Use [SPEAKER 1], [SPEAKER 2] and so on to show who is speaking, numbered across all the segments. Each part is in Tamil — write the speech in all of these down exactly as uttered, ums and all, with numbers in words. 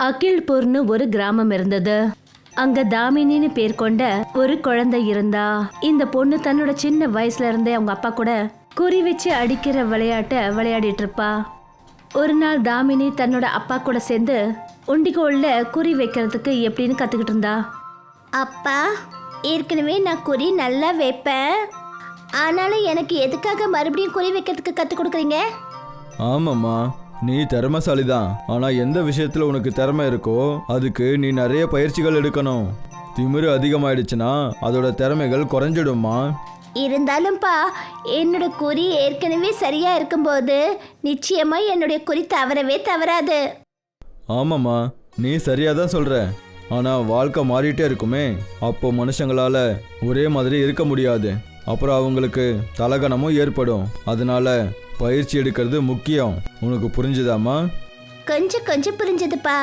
[SPEAKER 1] அகில்பூர்னு ஒரு கிராமம் இருந்தது. அங்க தாமினின்னு பேர் கொண்ட ஒரு குழந்தை இருந்தா. இந்த பொண்ணு தன்னோட சின்ன வயசுல இருந்தே அவங்க அப்பா கூட குறி வச்சு அடிக்கிற விளையாட்ட விளையாடிட்டு இருப்பா. ஒரு நாள் தாமினி தன்னோட அப்பா கூட சேர்ந்து உண்டிகோல்ல குறி வைக்கிறதுக்கு எப்படின்னு கத்துக்கிட்டு இருந்தா.
[SPEAKER 2] அப்பா, ஏற்கனவே நான் குறி நல்லா வைப்பேன். ஆனாலும் எனக்கு எதுக்காக மறுபடியும் குறி வைக்கிறதுக்கு கற்றுக் கொடுக்குறீங்க?
[SPEAKER 3] ஆமாம்மா, நீ திறமைசாலி தான். ஆனால் எந்த விஷயத்தில் உனக்கு திறமை இருக்கோ அதுக்கு நீ நிறைய பயிற்சிகள் எடுக்கணும். திமிரு அதிகமாயிடுச்சுன்னா அதோட திறமைகள் குறைஞ்சிடும்மா.
[SPEAKER 2] இருந்தாலும்ப்பா, என்னோட குறி ஏற்கனவே சரியா இருக்கும்போது நிச்சயமா என்னுடைய குறி தவறவே தவறாது.
[SPEAKER 3] ஆமாம்மா, நீ சரியாக தான் சொல்கிற. ஆனால் வாழ்க்கை மாறிட்டே இருக்குமே, அப்போ மனுஷங்களால் ஒரே மாதிரி இருக்க முடியாது. அப்புறம் அவங்களுக்கு தலகணமும் ஏற்படும். அதனால பயிற்சி எடுக்கிறது முக்கியம். உனக்கு புரிஞ்சுதாம்மா?
[SPEAKER 2] கொஞ்சம் கொஞ்சம் புரிஞ்சதுப்பா.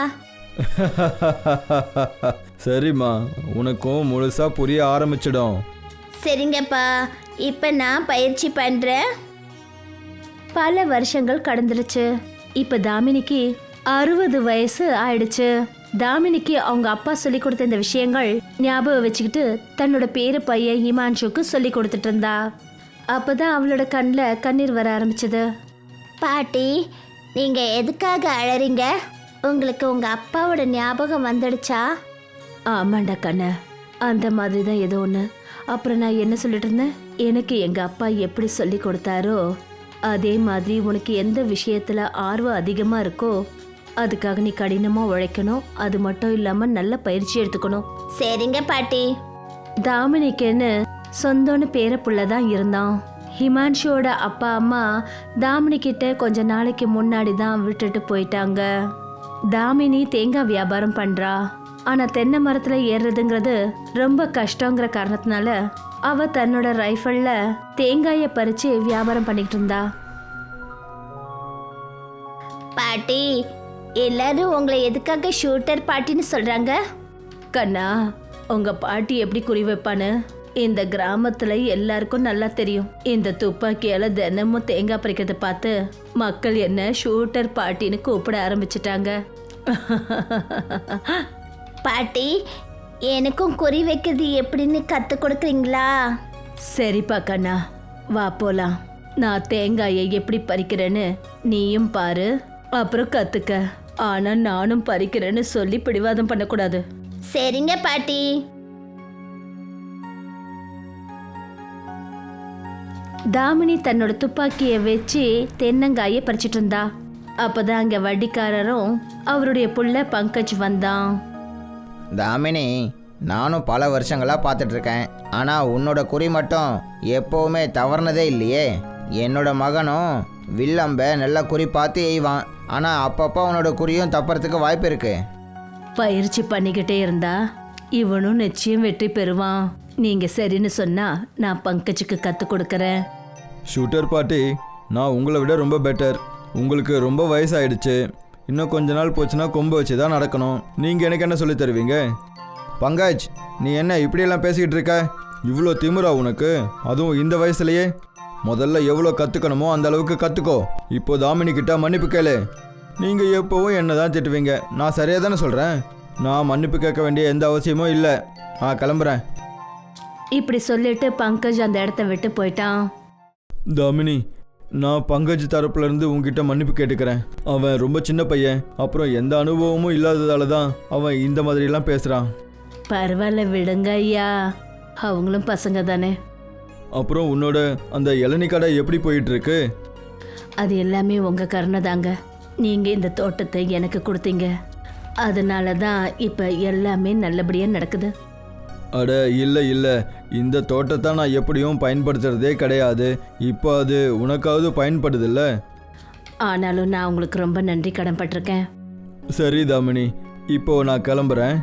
[SPEAKER 3] சரிம்மா, உனக்கும் முழுசா புரிய ஆரம்பிச்சிடும்.
[SPEAKER 2] சரிங்கப்பா, இப்போ நான் பயிற்சி பண்ணுறேன்.
[SPEAKER 1] பல வருஷங்கள் கடந்துருச்சு. இப்ப தாமினிக்கு அறுபது வயசு ஆயிடுச்சு. தாமினிக்கு அவங்க அப்பா சொல்லி கொடுத்த இந்த விஷயங்கள் ஞாபகம் வச்சுக்கிட்டு தன்னோட பேரு பையன் ஹிமான்ஷுக்கு சொல்லி கொடுத்துட்டு இருந்தா. அப்பதான் அவளோட கண்ணில் கண்ணீர் வர ஆரம்பிச்சது.
[SPEAKER 2] பாட்டி, நீங்கள் எதுக்காக அழறீங்க? உங்களுக்கு உங்கள் அப்பாவோட ஞாபகம் வந்துடுச்சா?
[SPEAKER 1] ஆமாண்டா கண்ண, அந்த மாதிரி தான் ஏதோ ஒன்று. அப்புறம் நான் என்ன சொல்லிட்டு இருந்தேன்? எனக்கு எங்கள் அப்பா எப்படி சொல்லி கொடுத்தாரோ அதே மாதிரி உனக்கு எந்த விஷயத்தில் ஆர்வம் அதிகமாக இருக்கோ அதுக்காக நீ கடினமாக உழைக்கணும். அது மட்டும் இல்லாமல் நல்ல பயிற்சி எடுத்துக்கணும்.
[SPEAKER 2] சரிங்க பாட்டி.
[SPEAKER 1] தாமினிக்குன்னு சொந்தம்னு பேர புள்ள தான் இருந்தான். ஹிமான்ஷுவோட அப்பா அம்மா தாமினி கிட்ட கொஞ்ச நாளைக்கு முன்னாடி தான் விட்டுட்டு போயிட்டாங்க. தாமினி தேங்காய் வியாபாரம் பண்றா. ஆனா தென்னை மரத்துல ஏறுறதுங்கிறது ரொம்ப கஷ்டங்கிற காரணத்தினால அவ தன்னோட ரைஃபிள்ல தேங்காயை பறிச்சு வியாபாரம் பண்ணிக்கிட்டு இருந்தா.
[SPEAKER 2] பாட்டி, எல்லாரும் உங்களை எதுக்காக ஷூட்டர் பாட்டின்னு சொல்றாங்க?
[SPEAKER 1] கண்ணா, உங்க பாட்டி எப்படி குறி வைப்பான்னு இந்த கிராமத்துல எல்லாருக்கும் நல்லா தெரியும். இந்த துப்பாக்கியால தினமும் தேங்காய் பறிக்கிறத பார்த்து மக்கள் என்ன ஷூட்டர் பாட்டின்னு கூப்பிட ஆரம்பிச்சிட்டாங்க.
[SPEAKER 2] பாட்டி, எனக்கும் குறி வைக்கிறது எப்படின்னு கத்து கொடுக்குறீங்களா?
[SPEAKER 1] சரிப்பா கண்ணா, வா போலாம். நான் தேங்காயை எப்படி பறிக்கிறேன்னு நீயும் பாரு, அப்புறம் கத்துக்க. ஆனா நானும் பறிக்கிறேன்னு சொல்லி பிடிவாதம் பண்ணக்கூடாது.
[SPEAKER 2] சரிங்க பாட்டி.
[SPEAKER 1] தாமினி தன்னோட துப்பாக்கியை வச்சு தென்னங்காயை பறிச்சிட்டு இருந்தா. அப்பதான் அங்க வட்டிக்காரரும் அவருடைய புள்ள பங்கஜ் வந்தான்.
[SPEAKER 4] தாமினி, நானும் பல வருஷங்களாக பார்த்துட்ருக்கேன். ஆனால் உன்னோட குறி மட்டும் எப்போவுமே தவறுனதே இல்லையே. என்னோட மகனும் வில்லம்ப நல்லா குறி பார்த்து எய்வான். ஆனால் அப்பப்போ உன்னோட குறியும் தப்புறதுக்கு வாய்ப்பு இருக்கு.
[SPEAKER 1] பயிற்சி பண்ணிக்கிட்டே இருந்தா இவனும் நிச்சயம் வெற்றி பெறுவான். நீங்க சரின்னு சொன்னா நான் பங்கஜுக்கு கத்து கொடுக்கறேன்.
[SPEAKER 3] ஷூட்டர் பாட்டி, நான் உங்களை விட ரொம்ப பெட்டர். உங்களுக்கு ரொம்ப வயசாயிடுச்சு. இன்னும் கொஞ்ச நாள் போச்சுன்னா கொம்பு வச்சு தான் நடக்கணும். நீங்கள் எனக்கு என்ன சொல்லி தருவீங்க? பங்கஜ், நீ என்ன இப்படியெல்லாம் பேசிக்கிட்டு இருக்க? இவ்வளோ திமிரா உனக்கு, அதுவும் இந்த வயசுலையே? முதல்ல எவ்வளோ கற்றுக்கணுமோ அந்த அளவுக்கு கற்றுக்கோ. இப்போ தாமினி கிட்ட மன்னிப்பு கேளு. நீங்கள் எப்போவும் என்ன தான் திட்டுவீங்க. நான் சரியாக தானே சொல்கிறேன். நான் மன்னிப்பு கேட்க வேண்டிய எந்த அவசியமும் இல்லை. நான் கிளம்புறேன்.
[SPEAKER 1] இப்படி சொல்லிட்டு பங்கஜ் அந்த இடத்த விட்டு போயிட்டான்.
[SPEAKER 3] தாமினி, நான் பங்கஜ் தரப்புலேருந்து உங்ககிட்ட மன்னிப்பு கேட்டுக்கிறேன். அவன் ரொம்ப சின்ன பையன். அப்புறம் எந்த அனுபவமும் இல்லாததால தான் அவன் இந்த மாதிரிலாம் பேசுகிறான்.
[SPEAKER 1] பரவாயில்ல, விடுங்க ஐயா, அவங்களும் பசங்க தானே.
[SPEAKER 3] அப்புறம் உன்னோட அந்த இளநீ கடை எப்படி போயிட்டுருக்கு?
[SPEAKER 1] அது எல்லாமே உங்கள் கருணை தாங்க. நீங்கள் இந்த தோட்டத்தை எனக்கு கொடுத்தீங்க. அதனால தான் இப்போ எல்லாமே நல்லபடியாக நடக்குது.
[SPEAKER 3] அட இல்லை இல்லை, இந்த தோட்டத்தை நான் எப்படியும் பயன்படுத்துகிறதே கிடையாது. இப்போ அது உனக்காவது பயன்படுதில்ல.
[SPEAKER 1] ஆனாலும் நான் உங்களுக்கு ரொம்ப நன்றி கடன் பட்டிருக்கேன்.
[SPEAKER 3] சரி தாமினி, இப்போ நான் கிளம்புறேன்.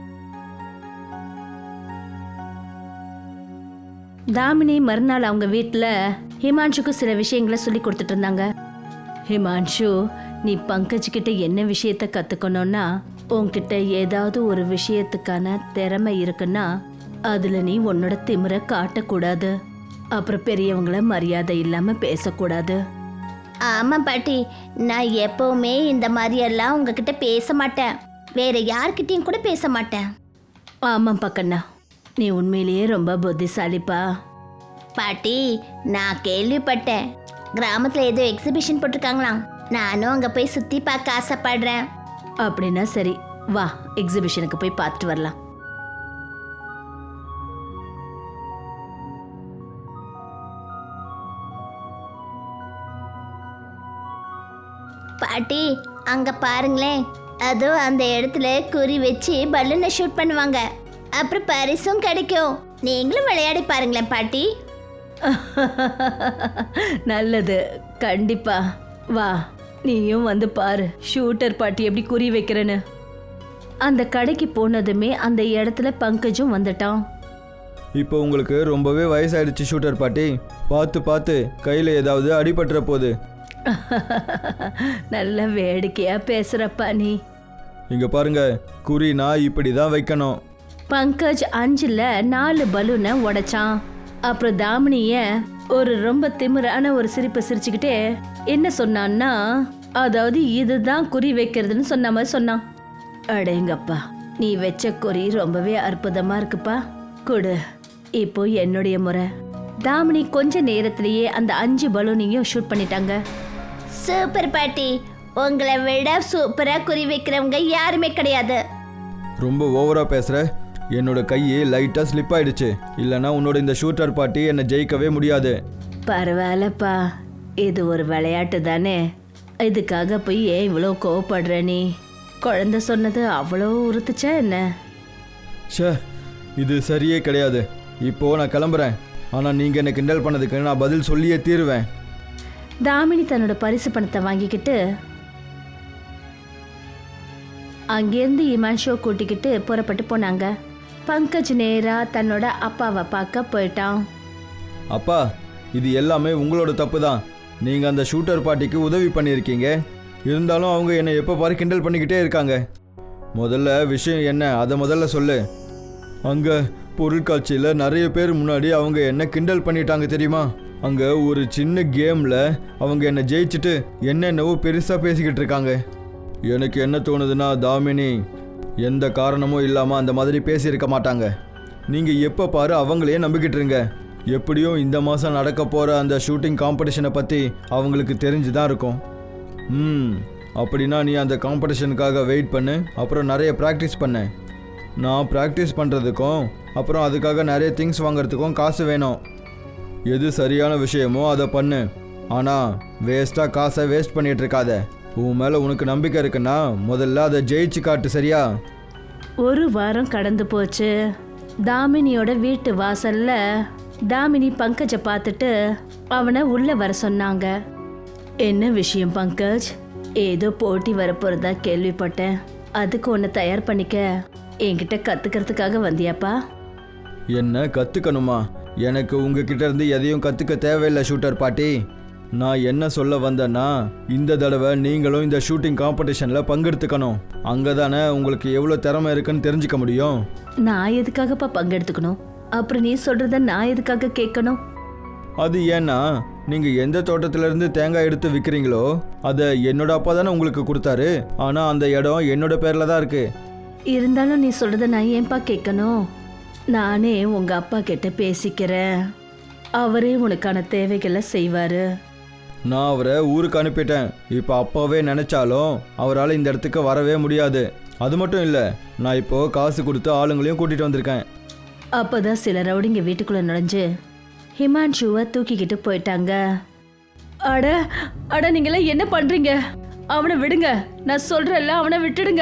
[SPEAKER 1] தாமினி மறுநாள் அவங்க வீட்டில் ஹிமான்ஷுக்கு சில விஷயங்களை சொல்லி கொடுத்துட்டு இருந்தாங்க. ஹிமான்ஷு, நீ பங்கஜ் கிட்ட என்ன விஷயத்த கற்றுக்கணும்னா, உன்கிட்ட ஏதாவது ஒரு விஷயத்துக்கான திறமை இருக்குன்னா அதில் நீ உன்னோட திமிரை காட்டக்கூடாது. அப்புறம் பெரியவங்கள மரியாதை இல்லாமல் பேசக்கூடாது.
[SPEAKER 2] ஆமாம் பாட்டி, நான் எப்போவுமே இந்த மாதிரியெல்லாம் உங்ககிட்ட பேச மாட்டேன். வேற யார்கிட்டயும் கூட பேச மாட்டேன்.
[SPEAKER 1] ஆமாம் பக்கண்ணா, நீ உண்மையிலேயே ரொம்ப புத்திசாலிப்பா.
[SPEAKER 2] பாட்டி, நான் கேள்விப்பட்டேன் கிராமத்துல ஏதோ எக்ஸிபிஷன் போட்டிருக்காங்களாம். நானும் அங்க போய் சுத்தி பார்க்க ஆசைப்படுறேன்.
[SPEAKER 1] அப்படின்னா சரி, வா எக்ஸிபிஷனுக்கு போய் பார்த்துட்டு வரலாம்.
[SPEAKER 2] பாட்டி, அங்க பாருங்களேன், அதோ அந்த இடத்துல குறி வச்சு பலூனை ஷூட் பண்ணுவாங்க. அப்புறம் பரிசும் கிடைக்கும். நீங்களும் விளையாடி பாருங்களேன் பாட்டி.
[SPEAKER 1] நல்லது, கண்டிப்பா வா, நீயும் வந்து பாரு ஷூட்டர் பாட்டி எப்படி குறி வைக்கிறேன்னு. அந்த கடைக்கு போனதுமே அந்த இடத்துல பங்கஜும் வந்துட்டான்.
[SPEAKER 3] இப்போ உங்களுக்கு ரொம்பவே வயசாயிடுச்சு ஷூட்டர் பாட்டி, பார்த்து பார்த்து கையில் ஏதாவது அடிபட்டுற போகுது.
[SPEAKER 1] நல்ல வேடிக்கையா பேசுறப்பா நீ.
[SPEAKER 3] இங்கே பாருங்க, குறினா இப்படி தான் வைக்கணும்.
[SPEAKER 1] பங்கஜ் அஞ்சுல நாலு பலூனை உடைச்சான். அப்புறம் தாமினிய ஒரு ரொம்ப திமிரான ஒரு சிரிப்பை சிரிச்சுக்கிட்டே என்ன சொன்னான்னா, அதாவது இதுதான் குறி வைக்கிறதுன்னு சொன்ன மாதிரி சொன்னான். அடேங்கப்பா, நீ வச்ச குறி ரொம்பவே அற்புதமா இருக்குப்பா, கொடு. இப்போ என்னுடைய முறை. தாமினி கொஞ்ச நேரத்திலேயே அந்த அஞ்சு பலூனையும் ஷூட் பண்ணிட்டாங்க.
[SPEAKER 2] சூப்பர் பாட்டி, உங்களை விட சூப்பரா குறி வைக்கிறவங்க யாருமே கிடையாது.
[SPEAKER 3] ரொம்ப ஓவராக பேசுகிற. என்னோட கையை லைட்டாக ஸ்லிப் ஆயிடுச்சு, இல்லைனா உன்னோட இந்த ஷூட்டர் பாட்டி என்னை ஜெயிக்கவே முடியாது.
[SPEAKER 1] பரவாயில்லப்பா, இது ஒரு விளையாட்டு தானே, இதுக்காக போய் ஏன் இவ்வளோ கோவப்படுற நீ? குழந்தை சொன்னது அவ்வளோ உறுத்துச்சா என்ன?
[SPEAKER 3] ஷே, இது சரியே கிடையாது. இப்போது நான் கிளம்புறேன், ஆனால் நீங்கள் என்னை கிண்டல் பண்ணதுக்கு நான் பதில் சொல்லியே தீருவேன்.
[SPEAKER 1] தாமினி தன்னோட பரிசு பணத்தை வாங்கிக்கிட்டு அங்கேருந்து இமான்ஷோ கூட்டிக்கிட்டு புறப்பட்டு போனாங்க. பங்கஜ் நேரா தன்னோட அப்பாவை பார்க்க போயிட்டான்.
[SPEAKER 3] அப்பா, இது எல்லாமே உங்களோட தப்பு தான். நீங்கள் அந்த ஷூட்டர் பாட்டிக்கு உதவி பண்ணியிருக்கீங்க, இருந்தாலும் அவங்க என்னை எப்போ பாரு கிண்டல் பண்ணிக்கிட்டே இருக்காங்க. முதல்ல விஷயம் என்ன அதை முதல்ல சொல்லு. அங்கே பொருட்காட்சியில் நிறைய பேர் முன்னாடி அவங்க என்ன கிண்டல் பண்ணிட்டாங்க தெரியுமா? அங்கே ஒரு சின்ன கேமில் அவங்க என்னை ஜெயிச்சுட்டு என்னென்னவோ பெருசாக பேசிக்கிட்டு இருக்காங்க. எனக்கு என்ன தோணுதுன்னா, தாமினி எந்த காரணமும் இல்லாமல் அந்த மாதிரி பேசியிருக்க மாட்டாங்க. நீங்கள் எப்போ பாரு அவங்களையே நம்பிக்கிட்டு இருங்க. எப்படியும் இந்த மாதம் நடக்க போகிற அந்த ஷூட்டிங் காம்படிஷனை பற்றி அவங்களுக்கு தெரிஞ்சு தான் இருக்கும். ம் அப்படின்னா நீ அந்த காம்படிஷனுக்காக வெயிட் பண்ணு, அப்புறம் நிறைய ப்ராக்டிஸ் பண்ணு. நான் ப்ராக்டிஸ் பண்ணுறதுக்கும் அப்புறம் அதுக்காக நிறைய திங்ஸ் வாங்குறதுக்கும் காசு வேணும். எது சரியான விஷயமோ அதை பண்ணு, ஆனால் வேஸ்ட்டாக காசை வேஸ்ட் பண்ணிகிட்டு இருக்காத. உன் மேலே உனக்கு நம்பிக்கை இருக்குன்னா முதல்ல அதை ஜெயிச்சு காட்டு, சரியா?
[SPEAKER 1] ஒரு வாரம் கடந்து போச்சு. தாமினியோட வீட்டு வாசல்ல தாமினி பங்கஜை பார்த்துட்டு அவனை உள்ள வர சொன்னாங்க. என்ன விஷயம் பங்கஜ்? ஏதோ போட்டி வரப்போறதா கேள்விப்பட்டேன், அதுக்கு ஒன்று தயார் பண்ணிக்க என்கிட்ட கத்துக்கிறதுக்காக வந்தியாப்பா?
[SPEAKER 3] என்ன கற்றுக்கணுமா? எனக்கு உங்ககிட்ட இருந்து எதையும் கற்றுக்க தேவையில்லை ஷூட்டர் பாட்டி. நான் என்ன சொல்ல வந்தேன்னா, இந்த தடவை நீங்களும் இந்த ஷூட்டிங் காம்படிஷனில் பங்கெடுத்துக்கணும். அங்கே தானே உங்களுக்கு எவ்வளோ திறமை இருக்குன்னு தெரிஞ்சுக்க முடியும்.
[SPEAKER 1] நான் எதுக்காகப்பா பங்கெடுத்துக்கணும்? அப்புறம் நீ சொல்கிறத நான் எதுக்காக கேட்கணும்?
[SPEAKER 3] அது ஏன்னா, நீங்கள் எந்த தோட்டத்திலேருந்து தேங்காய் எடுத்து விற்கிறீங்களோ அதை என்னோட அப்பா தானே உங்களுக்கு கொடுத்தாரு. ஆனால் அந்த இடம் என்னோட பேரில் தான் இருக்குது.
[SPEAKER 1] இருந்தாலும் நீ சொல்கிறத நான் ஏன்பா கேட்கணும்? நானே உங்கள் அப்பா கிட்ட பேசிக்கிறேன், அவரே உனக்கான தேவைகளை செய்வார்.
[SPEAKER 3] நான் அவரை ஊருக்கு அனுப்பிட்டேன். இப்போ அப்பாவே நினச்சாலும் அவரால் இந்த இடத்துக்கு வரவே முடியாது. அது மட்டும் இல்லை, நான் இப்போது காசு கொடுத்து ஆளுங்களையும் கூட்டிகிட்டு வந்திருக்கேன்.
[SPEAKER 1] அப்போ தான் சில ரவுடிங்க வீட்டுக்குள்ளே நுழைஞ்சு ஹிமான்ஷுவை தூக்கிக்கிட்டு போயிட்டாங்க. அட அட நீங்களாம் என்ன பண்ணுறீங்க? அவனை விடுங்க, நான் சொல்கிறேன்ல, அவனை விட்டுடுங்க.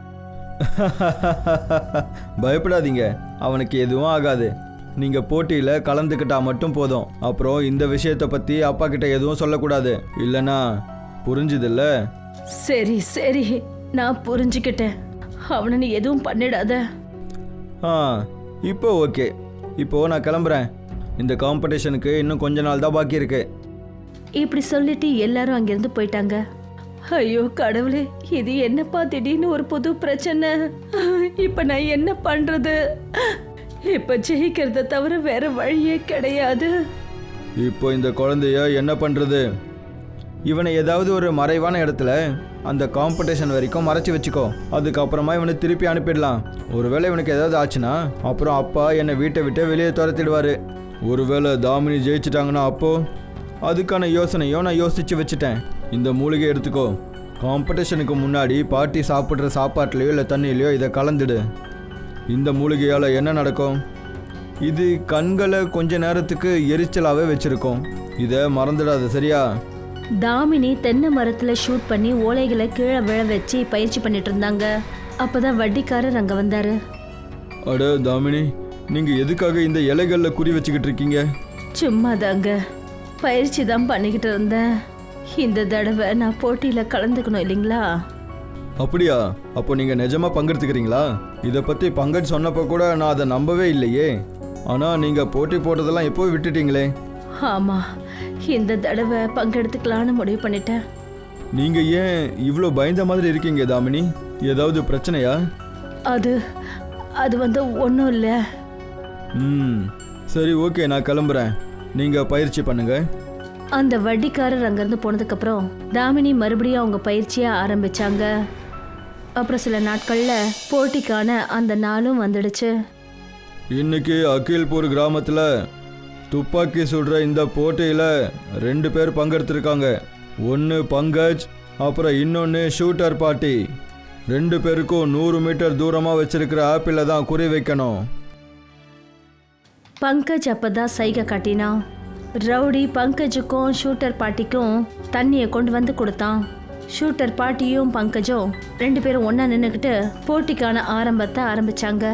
[SPEAKER 3] பயப்படாதீங்க, அவனுக்கு எதுவும் ஆகாது. நீங்கள் போட்டியில் கலந்துக்கிட்டா மட்டும் போதும். அப்புறம் இந்த விஷயத்தை பற்றி அப்பா கிட்ட எதுவும் சொல்லக்கூடாது, இல்லைனா புரிஞ்சுதில்ல?
[SPEAKER 1] சரி சரி, நான் புரிஞ்சுக்கிட்டேன். அவனை நீ எதுவும் பண்ணிடாத.
[SPEAKER 3] ஆ இப்போ ஓகே. இப்போது நான் கிளம்புறேன். இந்த காம்படிஷனுக்கு இன்னும் கொஞ்ச நாள் தான் பாக்கி இருக்கு.
[SPEAKER 1] இப்படி சொல்லிட்டு எல்லாரும் அங்கிருந்து போயிட்டாங்க. ஐயோ கடவுளே, இது என்னப்பா திடீர்னு ஒரு புது பிரச்சனை. இப்ப நான் என்ன பண்றது? இப்ப ஜெயிக்கிறத தவிர வேற வழியே கிடையாது.
[SPEAKER 3] இப்போ இந்த குழந்தைய என்ன பண்றது? இவனை ஏதாவது ஒரு மறைவான இடத்துல அந்த காம்படிஷன் வரைக்கும் மறைச்சி வச்சுக்கோ. அதுக்கப்புறமா இவனை திருப்பி அனுப்பிடலாம். ஒருவேளை இவனுக்கு ஏதாவது ஆச்சுன்னா அப்புறம் அப்பா என்னை வீட்டை விட்டு வெளியே துரத்திடுவார். ஒருவேளை தாமினி ஜெயிச்சிட்டாங்கன்னா அப்போ அதுக்கான யோசனையும் நான் யோசிச்சு வச்சுட்டேன். இந்த மூலிகை எடுத்துக்கோ. காம்படிஷனுக்கு முன்னாடி பாட்டி சாப்பிட்ற சாப்பாட்டுலையோ இல்லை தண்ணியிலையோ இதை கலந்துடு. இந்த மூலிகையால் என்ன நடக்கும்? இது கண்களை கொஞ்ச நேரத்துக்கு எரிச்சலாகவே வச்சுருக்கோம். இதை மறந்துடாது, சரியா?
[SPEAKER 1] தாமினி தென்னை மரத்துல ஷூட் பண்ணி ஓலைகளை கீழே விழ வச்சு பயிற்சி பண்ணிட்டு இருந்தாங்க. அப்பதான் வட்டிக்காரர் அங்க வந்தாரு.
[SPEAKER 3] அட தாமினி, நீங்கள் எதுக்காக இந்த இலைகளில் குறி வச்சுக்கிட்டு இருக்கீங்க?
[SPEAKER 1] சும்மா தாங்க, பயிற்சி தான் பண்ணிக்கிட்டு இருந்தேன். இந்த தடவை நான் போட்டியில் கலந்துக்கணும் இல்லைங்களா?
[SPEAKER 3] அப்படியா? அப்போ நீங்கள் நிஜமாக பங்கெடுத்துக்கிறீங்களா? இதை பற்றி பங்கஜ் சொன்னப்போ கூட நான் அதை நம்பவே இல்லையே. ஆனால் நீங்கள் போட்டி போட்டதெல்லாம் எப்போ விட்டுட்டீங்களே?
[SPEAKER 1] ஆமாம், இந்த தடவை பங்கெடுத்துக்கலான்னு முடிவு பண்ணிட்டேன்.
[SPEAKER 3] நீங்கள் ஏன் இவ்வளோ பயந்த மாதிரி இருக்கீங்க தாமினி? ஏதாவது பிரச்சனையா?
[SPEAKER 1] அது அது வந்து ஒன்றும் இல்லை.
[SPEAKER 3] ம் சரி, ஓகே, நான் கிளம்புறேன். நீங்கள் பயிற்சி பண்ணுங்க.
[SPEAKER 1] அந்த வட்டிக்காரர் அங்கேருந்து போனதுக்கப்புறம் தாமினி மறுபடியும் அவங்க பயிற்சியை ஆரம்பித்தாங்க. அப்புறம் சில நாட்களில் போட்டிக்கான அந்த நாளும் வந்துடுச்சு.
[SPEAKER 3] இன்னைக்கு அகில்பூர் கிராமத்தில் துப்பாக்கி சுடுற இந்த போட்டியில் ரெண்டு பேர் பங்கெடுத்திருக்காங்க. ஒன்று பங்கஜ், அப்புறம் இன்னொன்று ஷூட்டர் பாட்டி. ரெண்டு பேருக்கும் நூறு மீட்டர் தூரமாக வச்சிருக்கிற ஆப்பிளை தான் குறி வைக்கணும்.
[SPEAKER 1] பங்கஜ் அப்பதான் சைகை காட்டினான். ரவுடி பங்கஜுக்கும் ஷூட்டர் பாட்டிக்கும் தண்ணியை கொண்டு வந்து கொடுத்தான். ஷூட்டர் பாட்டியும் பங்கஜும் ரெண்டு பேரும் ஒன்றா நின்றுக்கிட்டு போட்டிக்கான ஆரம்பத்தை ஆரம்பிச்சாங்க.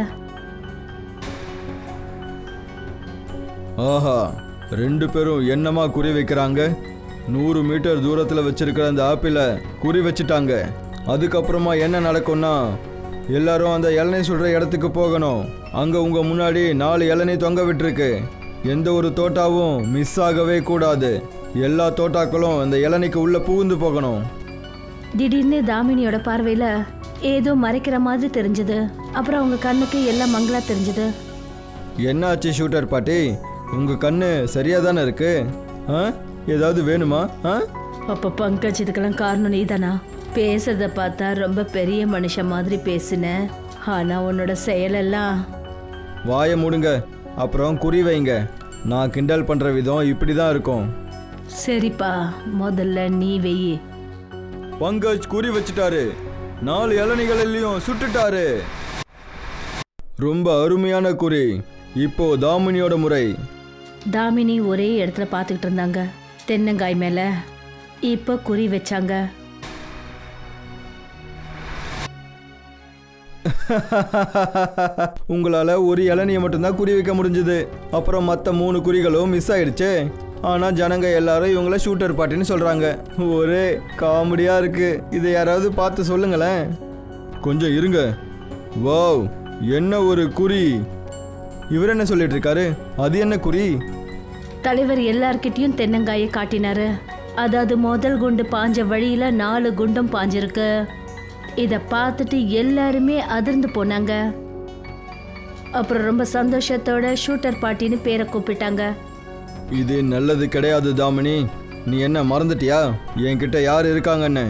[SPEAKER 3] ஆஹா, ரெண்டு பேரும் என்னமா குறி வைக்கிறாங்க? நூறு மீட்டர் தூரத்தில் வச்சிருக்கிற அந்த ஆப்பிளை குறி வச்சுட்டாங்க. அதுக்கப்புறமா என்ன நடக்கும்னா, எல்லாரும் அந்த இளநீ சுடுற இடத்துக்கு போகணும். அங்கே உங்கள் முன்னாடி நாலு இளநீ தொங்க விட்டுருக்கு. எந்த ஒரு தோட்டாவும் மிஸ் ஆகவே கூடாது. எல்லா தோட்டாக்களும் அந்த இளநிக்கு உள்ளே புகுந்து போகணும்.
[SPEAKER 1] திடீர்னு தாமினியோட பார்வையில் ஏதோ மறைக்கிற மாதிரி தெரிஞ்சது. அப்புறம் அவங்க கண்ணுக்கு எல்லாம் மங்களா தெரிஞ்சது.
[SPEAKER 3] என்னாச்சு ஷூட்டர் பாட்டி? உங்கள் கண்ணு சரியாக தானே இருக்கு? ஆ, ஏதாவது வேணுமா? ஆ,
[SPEAKER 1] அப்போ பங்கஜ் இதுக்கெல்லாம் காரணம் நீதானா? பேசுறத பார்த்தா ரொம்ப பெரிய மனுஷன் மாதிரி பேசின. ஆனால் உன்னோட செயலெல்லாம்.
[SPEAKER 3] வாயை மூடுங்க, அப்புறம் குறி வைங்க. நான் கிண்டல் பண்ணுற விதம் இப்படி தான் இருக்கும்.
[SPEAKER 1] சரிப்பா, முதல்ல நீ வெயி.
[SPEAKER 3] பங்கஜ் குறி வச்சுட்டாரு. நாலு இளநிகளிலையும் சுட்டுட்டாரு. ரொம்ப அருமையான குறி. இப்போ தாமினியோட முறை.
[SPEAKER 1] தாமினி ஒரே இடத்துல பார்த்துக்கிட்டு இருந்தாங்க, தென்னங்காய் மேலே. இப்போ குறி வச்சாங்க.
[SPEAKER 3] உங்களால் ஒரு இளநியை மட்டும்தான் குறி வைக்க முடிஞ்சது. அப்புறம் மற்ற மூணு குறிகளும் மிஸ் ஆயிடுச்சு. ஆனால் ஜனங்க எல்லாரும் இவங்கள ஷூட்டர் பாட்டின்னு சொல்கிறாங்க. ஒரே காமெடியாக இருக்குது. இதை யாராவது பார்த்து சொல்லுங்களேன். கொஞ்சம் இருங்க. வாவ், என்ன ஒரு குறி! இவர் என்ன சொல்லிட்டு இருக்காரு? அது என்ன குறி?
[SPEAKER 1] தலைவர் எல்லார்கிட்டையும் தென்னங்காயை காட்டினாரு. அதாவது முதல் குண்டு பாஞ்ச வழியில நாலு குண்டும் பாஞ்சிருக்கு. இதை பார்த்துட்டு எல்லாருமே அதிர்ந்து போனாங்க. அப்புறம் ரொம்ப சந்தோஷத்தோட ஷூட்டர் பாட்டின்னு பேரை கூப்பிட்டாங்க.
[SPEAKER 3] இது நல்லது கிடையாது தாமினி. நீ என்ன மறந்துட்டியா என்கிட்ட யார் இருக்காங்கன்னு?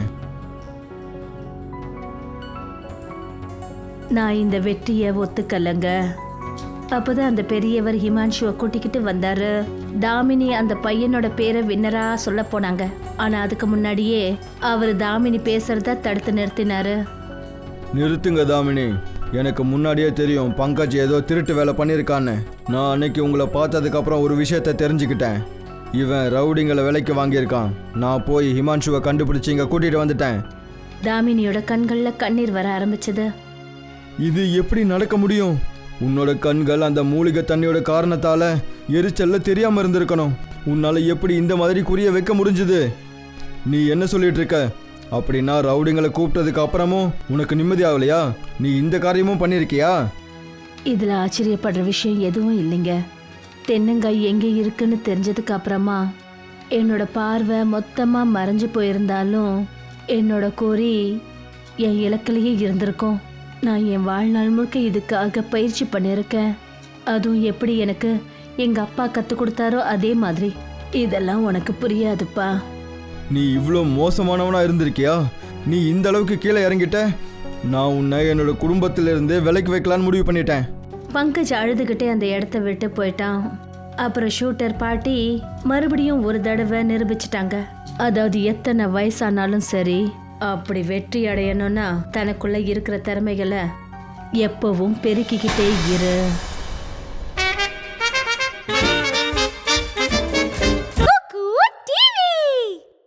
[SPEAKER 1] நான் இந்த வெற்றியை ஒத்துக்கலங்க. அப்போதான் அந்த பெரியவர் ஹிமான்ஷுவை கூட்டிக்கிட்டு வந்தாரு. தாமினி அந்த பையனோட பேரை வின்னரா சொல்ல போனாங்க. ஆனா அதுக்கு முன்னாடியே அவர் தாமினி பேசுறத தடுத்து நிறுத்தினாரு.
[SPEAKER 3] நிறுத்துங்க தாமினி. எனக்கு முன்னாடியே தெரியும் பங்கஜ் ஏதோ திருட்டு வேலை பண்ணியிருக்கான்னு. நான் அன்னைக்கு உங்களை பார்த்ததுக்கப்புறம் ஒரு விஷயத்த தெரிஞ்சுக்கிட்டேன். இவன் ரவுடிங்களை விலைக்கு வாங்கியிருக்கான். நான் போய் ஹிமான்ஷுவை கண்டுபிடிச்சி இங்கே கூட்டிகிட்டு வந்துட்டேன்.
[SPEAKER 1] தாமினியோட கண்களில் கண்ணீர் வர ஆரம்பிச்சது.
[SPEAKER 3] இது எப்படி நடக்க முடியும்? உன்னோட கண்கள் அந்த மூலிகை தண்ணியோட காரணத்தால் எரிச்சல்ல தெரியாமல் இருந்திருக்கணும். உன்னால் எப்படி இந்த மாதிரி குறிய வைக்க முடிஞ்சுது? நீ என்ன சொல்லிட்டு இருக்க? அப்படின்னா ரவுடிங்களை கூப்பிட்டதுக்கு அப்புறமும் உனக்கு நிம்மதி ஆகலையா? நீ இந்த காரியமும் பண்ணியிருக்கியா?
[SPEAKER 1] இதில் ஆச்சரியப்படுற விஷயம் எதுவும் இல்லைங்க. தென்னங்காய் எங்கே இருக்குன்னு தெரிஞ்சதுக்கு அப்புறமா என்னோட பார்வை மொத்தமாக மறைஞ்சு போயிருந்தாலும் என்னோட குறி என் இலக்கிலேயே இருந்திருக்கும். நான் என் வாழ்நாள் முழுக்க இதுக்காக பயிற்சி பண்ணியிருக்கேன். அதுவும் எப்படி எனக்கு எங்கள் அப்பா கற்றுக் கொடுத்தாரோ அதே மாதிரி. இதெல்லாம் உனக்கு புரியாதுப்பா.
[SPEAKER 3] நீ இவ்வளோ மோசமானவனா இருந்திருக்கியா? நீ இந்த அளவுக்கு கீழே இறங்கிட்ட. நான் உன்னை என்னோட குடும்பத்திலிருந்து விலைக்கு வைக்கலான்னு முடிவு பண்ணிட்டேன்.
[SPEAKER 1] பங்கஜ் அழுதுகிட்டே அந்த இடத்த விட்டு போயிட்டான். அப்புறம் ஷூட்டர் பாட்டி மறுபடியும் ஒரு தடவை நிரூபிச்சிட்டாங்க. அதாவது எத்தனை வயசானாலும் சரி, அப்படி வெற்றி அடையணும்னா தனக்குள்ள இருக்கிற திறமைகளை எப்பவும் பெருக்கிக்கிட்டே இரு.